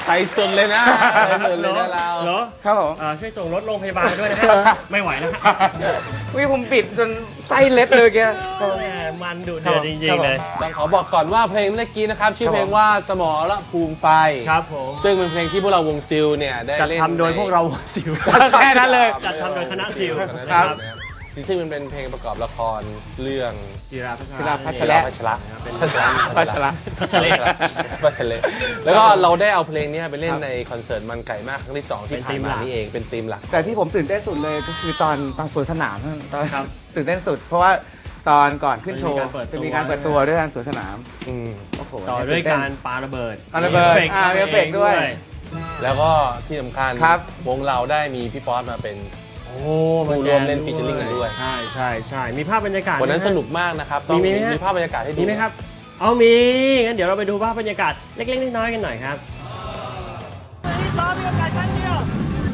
ใส่สุดเลยนะใส่สุดเลยนะเราเหรอครับผมช่วยส่งรถโรงพยาบาลด้วยนะครับไม่ไหวแล้ววิผมปิดจนไส้เล็ดเลยแกมันดุเดือดจริงๆเลยต้องขอบอกก่อนว่าเพลงเมื่อกี้นะครับชื่อเพลงว่าสมรภูมิไฟครับผมซึ่งเป็นเพลงที่พวกเราวงซิลเนี่ยได้เล่นจัดทำโดยพวกเราวงซิลแค่นั้นเลยจัดทำโดยคณะซิลครับซึ่งมันเป็นเพลงประกอบละครเรื่องศิลาพัชระแล้วก็เราได้เอาเพลงนี้ไปเล่นในคอนเสิร์ตมันไก่มากครั้งที่2ที่ผ่านมานี่เองเป็นธีมหลักแต่ที่ผมตื่นเต้นสุดเลยก็คือตอนสวนสนามตอนตื่นเต้นสุดเพราะว่าตอนก่อนขึ้นโชว์จะมีการเปิดตัวด้วยการสวนสนามโอ้โหต่อด้วยการปาระเบิดมีเอฟเฟกต์ด้วยแล้วก็ที่สำคัญวงเราได้มีพี่ป๊อตมาเป็นผู้ร่วมเล่นฟีเจอริ่งกันด้วยใช่มีภาพบรรยากาศวันนั้นสนุกมากนะครับต้องมีภาพบรรยากาศให้ดูมีไหมครับเอามีงั้นเดี๋ยวเราไปดูภาพบรรยากาศเล็กๆน้อยๆกันหน่อยครับนี่ซ้อมมีโอกาสครั้งเดียว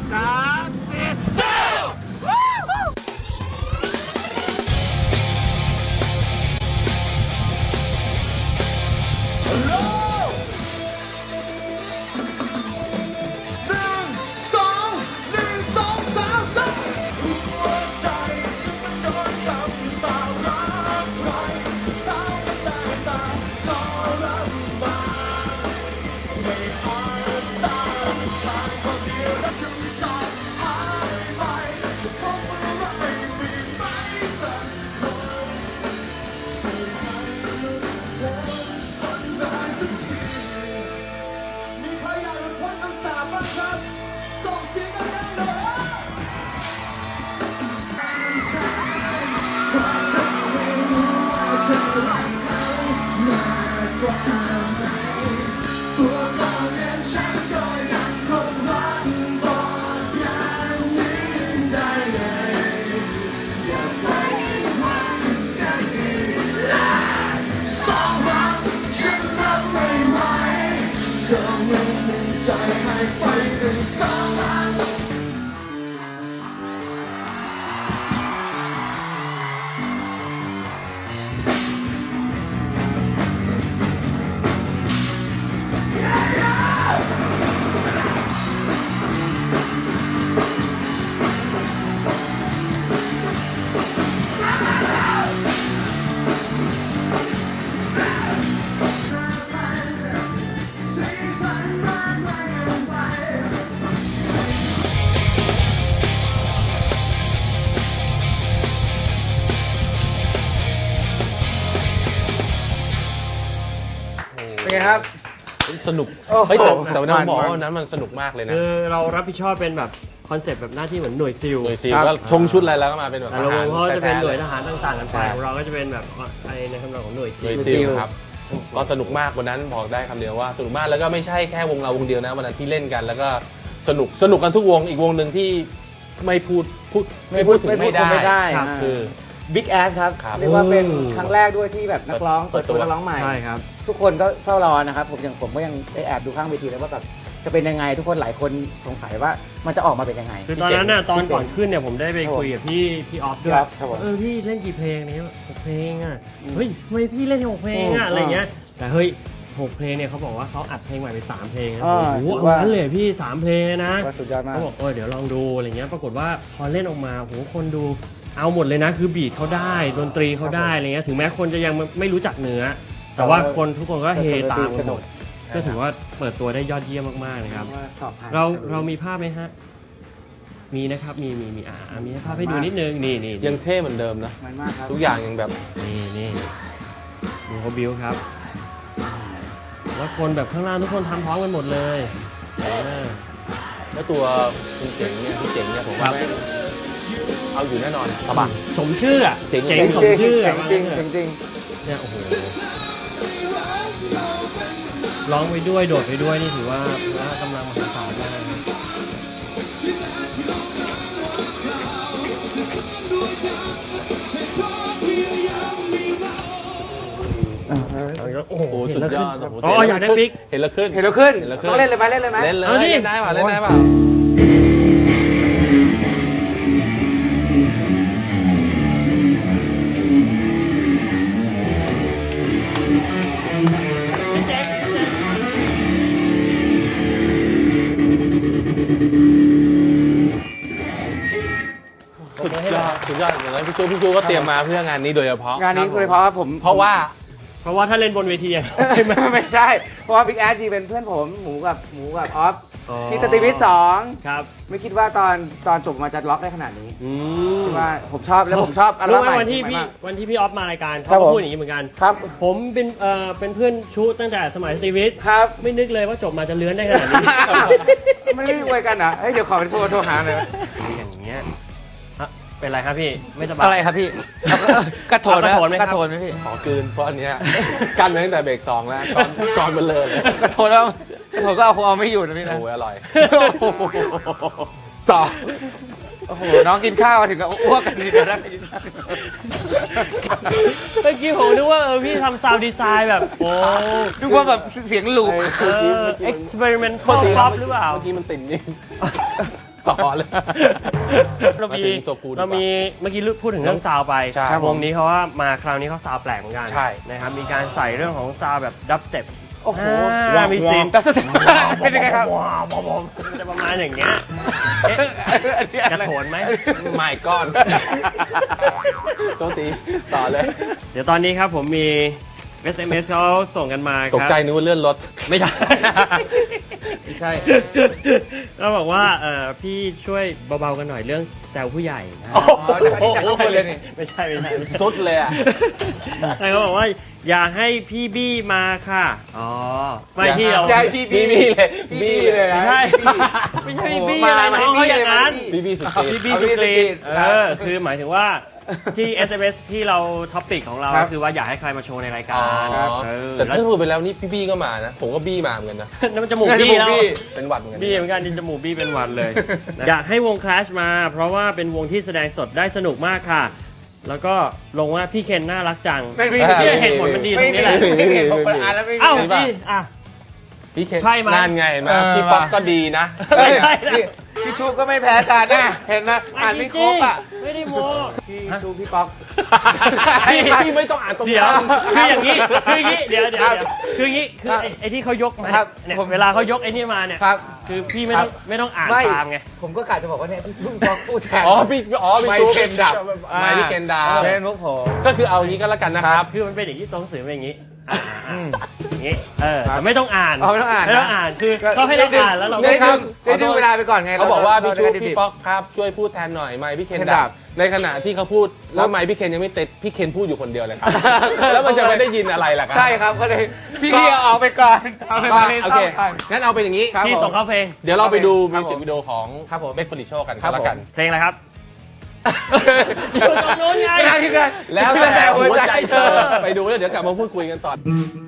เป็นไงครับสนุกเฮ้ยแต่เราบอกว่านั้นมันสนุกมากเลยนะคือเรารับผิดชอบเป็นแบบคอนเซ็ปต์แบบหน้าที่เหมือนหน่วยซิลก็ชงชุดอะไรแล้วก็มาเป็นแบบทหารเขาจะเป็นหน่วยทหารต่างๆกันไปของเราก็จะเป็นแบบในคำนองของหน่วยซิลครับก็สนุกมากวันนั้นบอกได้คำเดียวว่าสนุกมากแล้วก็ไม่ใช่แค่วงเราวงเดียวนะวันนั้นที่เล่นกันแล้วก็สนุกกันทุกวงอีกวงหนึ่งที่ไม่พูดถึงไม่ได้คือ Big Ass ครับเรียกว่าเป็นครั้งแรกด้วยที่แบบนักร้องเปิดตัวนักร้องใหม่ใช่ครับทุกคนก็เฝ้ารอนะครับผมก็ยังได้แอบดูข้างเวทีแล้วว่าแบบจะเป็นยังไงทุกคนหลายคนสงสัยว่ามันจะออกมาเป็นยังไงคือตอนนั้นน่ะตอนก่อนขึ้นเนี่ยผมได้ไปคุยกับพี่ออฟด้วยพี่เล่นกี่เพลงเนี่ย6 เพลงอ่ะเฮ้ยทำไมพี่เล่น6 เพลงอ่ะอะไรเงี้ยแต่เฮ้ย6 เพลงเนี่ยเขาบอกว่าเขาอัดเพลงใหม่ไป3 เพลงนะโอ้โหเอางั้นเลยพี่3 เพลงนะสุดยอดมากเขาบอกเดี๋ยวลองดูอะไรเงี้ยปรากฏว่าพอเล่นออกมาโหคนดูเอาหมดเลยนะคือบีทเขาได้ดนตรีเขาได้อะไรเงี้ยถึงแม้คนจะยังไม่รู้จักเนื้อแต่ว่าทุกคนก็เฮตามกันหมดก็ถือว่าเปิดตัวได้ยอดเยี่ยมมากๆนะครับเรามีภาพไหมฮะมีนะครับมีภาพให้ดูนิดนึงนี่ยังเท่เหมือนเดิมนะทุกอย่างยังแบบนี่ดูเขาบิวครับแล้วคนแบบข้างล่างทุกคนทำพร้อมกันหมดเลยแล้วตัวคุณเจ๋งเนี่ยผมว่าเอาอยู่แน่นอนสบายสมชื่ออ่ะเจ๋งสมชื่อจริงเนี่ยโอ้โหร้องไปด้วยโดดไปด้วยนี่ถือว่าพละกำลังมหาศาลมากโอ้โหสุดยอดอยากได้ฟิกเห็นแล้วขึ้นต้องเล่นเลยไหมเล่นเลยได้ป่ะเล่นได้ป่ะสุดยอดอย่างนั้นพี่จูก็เตรียมมาเพื่องานนี้โดยเฉพาะงานนี้โดยเฉพาะผมเพราะว่าถ้าเล่นบนเวทีอะไม่ใช่ เพราะว่าบิ๊กแอดจีเป็นเพื่อนผมหมูกับออฟที่สตรีวิทสองครับไม่คิดว่าตอนจบมาจะล็อกได้ขนาดนี้อืมคิดว่าผมชอบแล้วผมชอบอัลรู้บั้มไหมใหม่วันที่พี่ออฟมารายการครัเขาบผมก็พูดอย่างนี้เหมือนกันครับผมเป็นเพื่อนชูตั้งแต่สมัยสตรีวิทครับไม่นึกเลยว่าจบมาจะเลื้อนได้ขนาดนี้ไม่ได้อวยกันเหรอเฮ้ยเดี๋ยวขอไปโทรหาหน่อยอย่างเงี้ยฮะเป็นไรครับพี่ไม่สบายอะไรครับพี่กระโถนเอากระโถนไหมครับกระโถนไหมพี่ขอคืนเพราะอันเนี้ยกันมาตั้งแต่เบรก2แล้วก่อนมันเลยกระโถนแล้วกระโถนก็เอาไม่อยู่นะพี่นะโอ้ยอร่อยต่อโอ้โหน้องกินข้าวมาถึงกับอ้วกกันดีกันได้เมื่อกี้ผมนึกว่าพี่ทำซาวด์ดีไซน์แบบโอ้นึกว่าแบบเสียงลูก experimental pop หรือเปล่าเมื่อกี้มันติ่มนี่ต่อเลยเรามามีถึงโซคูดีกว่าเรามีเมื่อกี้พูดถึงเรื่องซาวด์ไปใช่วงนี้เขาว่ามาคราวนี้เขาซาวด์แปลกเหมือนกันใช่นะครับมีการใส่เรื่องของซาวด์แบบดับสเต็ปโอ้โหมีซีนแล้วสุดเป็นยังไงครับมันจะประมาณอย่างเงี้ยอันนี้กอะไรระโถนไหมไม่ก้อนโทษทีต่อเลยเดี๋ยวตอนนี้ครับผมมี SMS เขาส่งกันมาครับตกใจนึกว่าเลื่อนรถไม่ใช่ไม่ใช่ก็บอกว่าพี่ช่วยเบาๆกันหน่อยเรื่องแซวผู้ใหญ่นะอ๋อจากที่จากข้างบนเลยนี่ไม่ใช่สุดเลยอ่ะแต่เขาบอกว่าอย่าให้พี่บี้มาค่ะอ๋อไม่ที่เราใช่พี่บี้เลยบี้เลยนะไม่ใช่พี่ไม่ใช่บี้อะไรมาให้น้องเขาอย่างนั้นบี้บี้สุดตีพี่บี้เอาสุบี้กรีสุกรีนคือหมายถึงว่าที่ SMS ที่เราท็อปปิกของเราครับคือว่าอยากให้ใครมาโชว์ในรายอ๋กาอรแต่แล้วถ้าพูดไปแล้วนี่พี่บี้ก็มานะ ผมก็บี้มาเหมือนกันนะนั่นมันจมูกน่าจะบี้แล้วบี้เป็นหวัดเหมือนกันบี้เหมือนกันดินจมูกบี้เป็นหวัดเลย อยากให้วง Clash มา เพราะว่าเป็นวงที่แสดงสดได้สนุกมากค่ะ แล้วก็ลงว่าพี่เคนน่ารักจังไม่มีเนี่ยเหตุผลมันดีตรงนี้แหละไม่มีผมอ่านแล้วไม่มีเอ้ามีป่ะพี่อ่ะพี่เคนใช่ไหมนั่นไงเห็นไหมเออพี่ป๊อกก็ดีนะเฮ้ยไม่ใช่นะนี่พี่ชูก็ไม่แพ้กันนะเห็นไหมอ่านไม่ครบอ่ะไม่ได้โมพี่ชูพี่ป๊อกพี่ไม่ต้องอ่านตรงเดี๋ยวนั้นคืออย่างนี้เดี๋ยวครับคืออย่างนี้คือครับไอ้ที่เขายกมาครับเนี่ยผมเวลาเขายกไอ้นี่มาเนี่ยครับคือพี่ไม่ครัต้อบ งไม่ต้องอ่านไม่ตามไงผมก็กะจะบอกว่าเนี่ยพี่ป๊อกพูดแทนพี่ไม่ตู้เคนดับไม่พี่เคนดับเป็นมุกผมก็คือเอางี้ก็แล้วกันนะครับคือมันเป็นอย่างนี้ตัวหนังสือเป็นอย่างนี้อย่างนี้ครับแต่ไม่ต้องอ่านอ๋อไม่ต้องอ่านนะไม่ต้องอ่านคือเขาให้เราอ่านแล้วเราได้ก็ดึงได้ดึงเวลาไปก่อนไงเขาบอกว่าพี่ชูเรจะได้พี่ดิบป๊อกครับช่วยพูดแทนหน่อยไม่พี่เคนเคนดัดับบ ในขณะที่เขาพูดแล้วไม่พี่เคนยังไม่ติดพี่เคนพูดอยู่คนเดียวเลยครับ แล้วมันจะไม่ได้ยินอะไรล่ะครัใช่ครับก็เลยพี่เอาออกไปก่อนเอาไปมาในโอซ่อเคมก่อนงั้นเอาเป็นอย่างนี้ครับพี่ส่งเข้าเพลงเดี๋ยวเราไปดูครัมิบวสิกวิดีโอของครับผมเบคผลิตโชคกันครัก็บแล้วกันเพลงอะไรครับอยู่ตรงนู้นไงไม่ได้พี่กันแล้วแต่หัวใจเธอไปดูแล้วเดี๋ยวกลับมาพูดคุยกันต่อ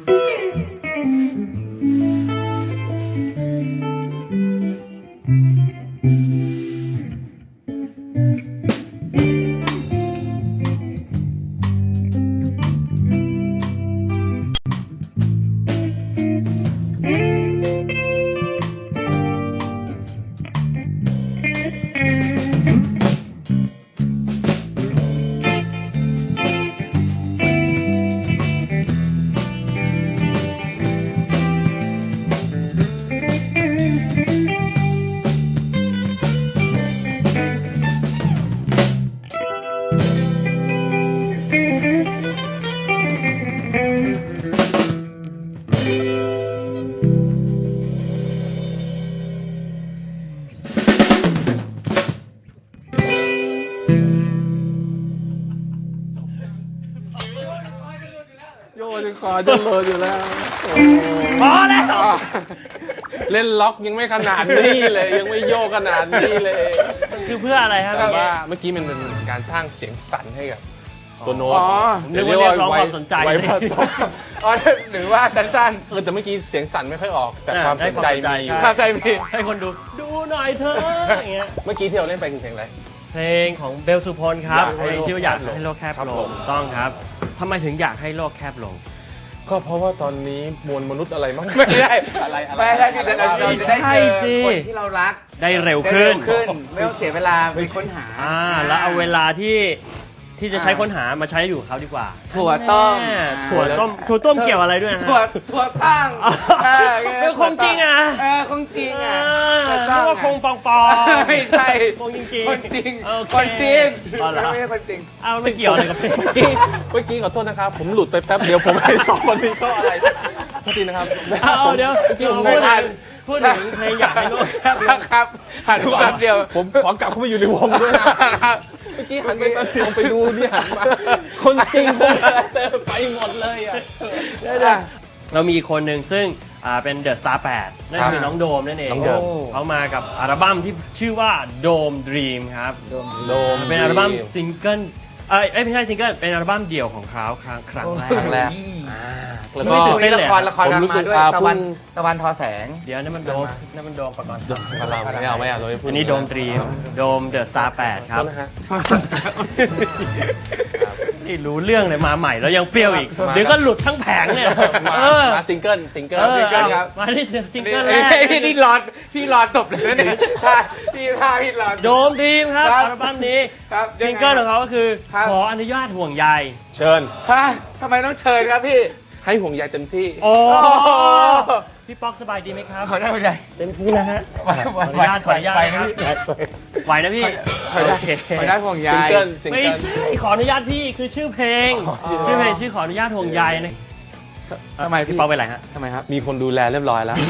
โยนคอจะโลนอยู่แล้วพอแล้วเล่นล็อกยังไม่ขนาดนี้เลยยังไม่โยกขนาดนี้เลยคือเพื่ออะไรครับแต่พี่ว่าเมื่อกี้มันเป็นการสร้างเสียงสั่นให้กับตัวโน้ตอ๋อนึกว่าเรียกร้องความสนใจไว้พระตกอ๋อหรือว่าสั้นแต่เมื่อกี้เสียงสั่นไม่ค่อยออก แต่ความสนใจมีอยู่ๆข้าใจมีให้คนดูหน่อยเถอะอย่างเงี้ยเมื่อกี้ที่เราเล่นไปคือเพลงอะไรเพลงของเบลสุพลครับอยากเพให้ลงโลกที่ว่าอยากแคบลงให้โลกแคบครับลผงมต้องครับทำไมถึงอยากให้โลกแคบลงก็เพราะว่าตอนนี้มวลมนุษย์อะไรมั้งไม่ได้อะไรไม่ได้คือจะเราจะได้ใช่เจสิอคนที่เรารักได้เร็วได้ขึ้เร็นวขึ้นไม่ต้องเสียเวลาไปค้นหาแล้วเอาเวลาที่ที่จะใช้ค้นหามาใช้อยู่กับเขาดีกว่าถั่วต้มแน่ถั่วต้มเกี่ยวอะไรด้วยฮะถั่วตั้งเป็นคงจริงอ่ะคงจริงอ่ะนึกว่าคงปองปองไม่ใช่คงจริงๆคนจริงโอเคคนจริงอ๋อเหรอไม่ใช่คนจริงเอาไม่เกี่ยวอะไรกับเพลงเมื่อกี้ขอโทษนะครับ ผมหลุดไปแป๊บเดียวผมให้สองคนนี้เข้าอะไรโทษทีนะครับเอาเดี๋ยวเมื่อกี้ผมพูไม่ดทันพูดถึงเพลงอยากให้โลกแคบครับหันไปแป๊บเดียวผมขอกลับเข้ามาอยู่ในวงด้วยนะเมื่อกี้หันไปแป๊บเดียวไปดูนี่หันมาคนจริงคนอะไรไปหมดเลยอ่ะเรามีอีกคนหนึ่งซึ่งเป็นเดอะสตาร์8นั่นคือน้องโดมนั่นเองน้องโดมเขามากับอัลบั้มที่ชื่อว่าโดมดรีมครับโดมเป็นอัลบั้มซิงเกิลไม่ใช่ซิงเกิลเป็นอัลบั้มเดี่ยวของเขาครั้งแรกครั้งแรก แล้วก็ก็มีละครกำลังมาด้วยตะวันทอแสงเดี๋ยวนั่นมันโดมประกอบไม่เอาเราไม่พูดอันนี้โดมดรีมโดมเดอะสตาร์8ครับโทษนะฮะนี่รู้เรื่องเลยมาใหม่แล้วยังเปรี้ยวอีก เดี๋ยวก็หลุดทั้งแผงเนี่ยมาซิงเกิลซิงเกิลครับมาที่ซิงเกิลแรกพี่รอตบเลยนะเนี่ยพี่รอโดมดรีมครับครับอัลบั้มนี้ครับซิงเกิลของเขาก็คือครับขออนุญาตห่วงใยเชิญฮะทำไมต้องเชิญครับพี่ให้ห่วงใยเต็มที่โอ้โอ้โหพี่ป๊อกสบายดีไหมครับขอได้ไหมได้เต็มที่นะฮะขออนุญาตครับไหวนะพี่ขอได้โอเคขอได้ห่วงใยซิงเกิลซิงไม่เกิลใช่ขออนุญาตพี่คือชื่อเพลง ชื่อเพลงชื่อขออนุญาตห่วงใยนะทำไมพี่พี่ป๊อกเป็นไรฮะทำไมครับมีคนดูแลเรียบร้อยแล้ว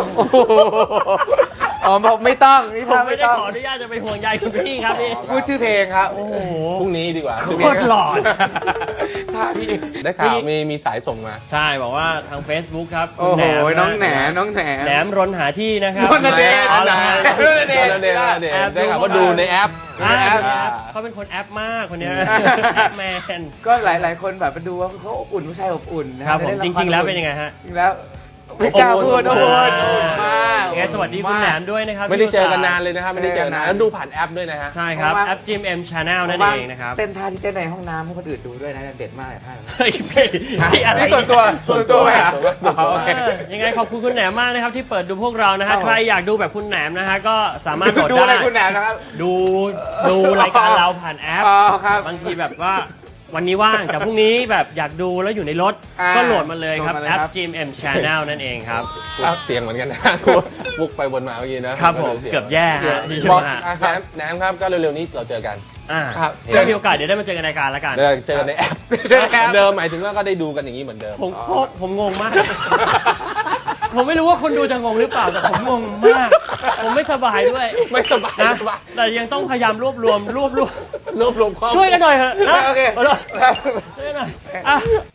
อ๋อผมไม่ต้องนี่ผมทำไม่ไม่ได้ต้องขออนุญาตจะไปห่วงใยคุณพี่ครับพี่พูดชื่อเพลงครับโอ้โหพรุ่งนี้ดีกว่าโคตรหลอนถ้าพี่ได้ข่าวมีสายส่งมาใช่บอกว่าทาง Facebook ครับโอ้โหน้องแหนน้องแหนแหนมรนหาที่นะครับรณเดชอ๋อเหรอฮะรณเดชรณเดชได้ข่าวว่าดูในแอปอ่าแอปเขาเป็นคนแอปมากคนเนี้ยแอปแมนก็หลายคนแบบมาดูว่าเขาอบอุ่นผู้ชายอบอุ่นนะครับผมจริง ๆ แล้วเป็นยังไงฮะจริงแล้วไม่กล้าพูดอบอุ่นมากยังไงสวัสดีคุณแหนมด้วยนะครับไม่ได้เจอกันนานเลยนะครับ ไม่ได้เจอกันนานไม่ได้เจอกันนานแล้วดูผ่านแอปด้วยนะฮะใช่ครับเพราะว่าแอป GMM Channel นั่นเองนะครับเต้นท่าที่เต้นในห้องน้ำให้คนอื่นดูด้วยนะเด็ดมากเลยท่านั้นเฮ้ยพี่อะไรนี่ส่วนตัวไหมครับอ๋อโอเคยังไงขอบคุณคุณแหนมมากนะครับที่เปิดดูพวกเรานะฮะใครอยากดูแบบคุณแหนมนะฮะก็สามารถโหลดดูอะไรได้คุณแหนมนะครับดูรายการเราผ่านแอปอ๋อครับบางทีแบบว่าวันนี้ว่างแต่พรุ่งนี้แบบอยากดูแล้วอยู่ในรถอ่าก็โหลดมาเลยครับโหลดมาเลยแอปครับ GMM Channel นั่นเองครับเสียงเหมือนกันนะบุกไปบนมาเมื่อกี้นะครับผมเกือบแย่ฮะดีบใช่อกไหมฮะแหนมครับก็เร็วๆนี้เราเจอกันครับเจอมีโอกาสเดี๋ยวได้มาเจอกันในรายการแล้วกันเจอกันในแอปเจอกันในแอปเดิมหมายถึงว่าก็ได้ดูกันอย่างนี้เหมือนเดิมผมงงมาก ผมไม่รู้ว่าคนดูจะงงหรือเปล่าแต่ผมงงมาก ผมไม่สบายด้วยไม่สบายนะไม่สบายแต่ยังต้องพยายามรวบรวมรวบรวมข้อมูลช่วยกันหน่อยเถอะนะโอเคช่วยกันหน่อยอ่ะ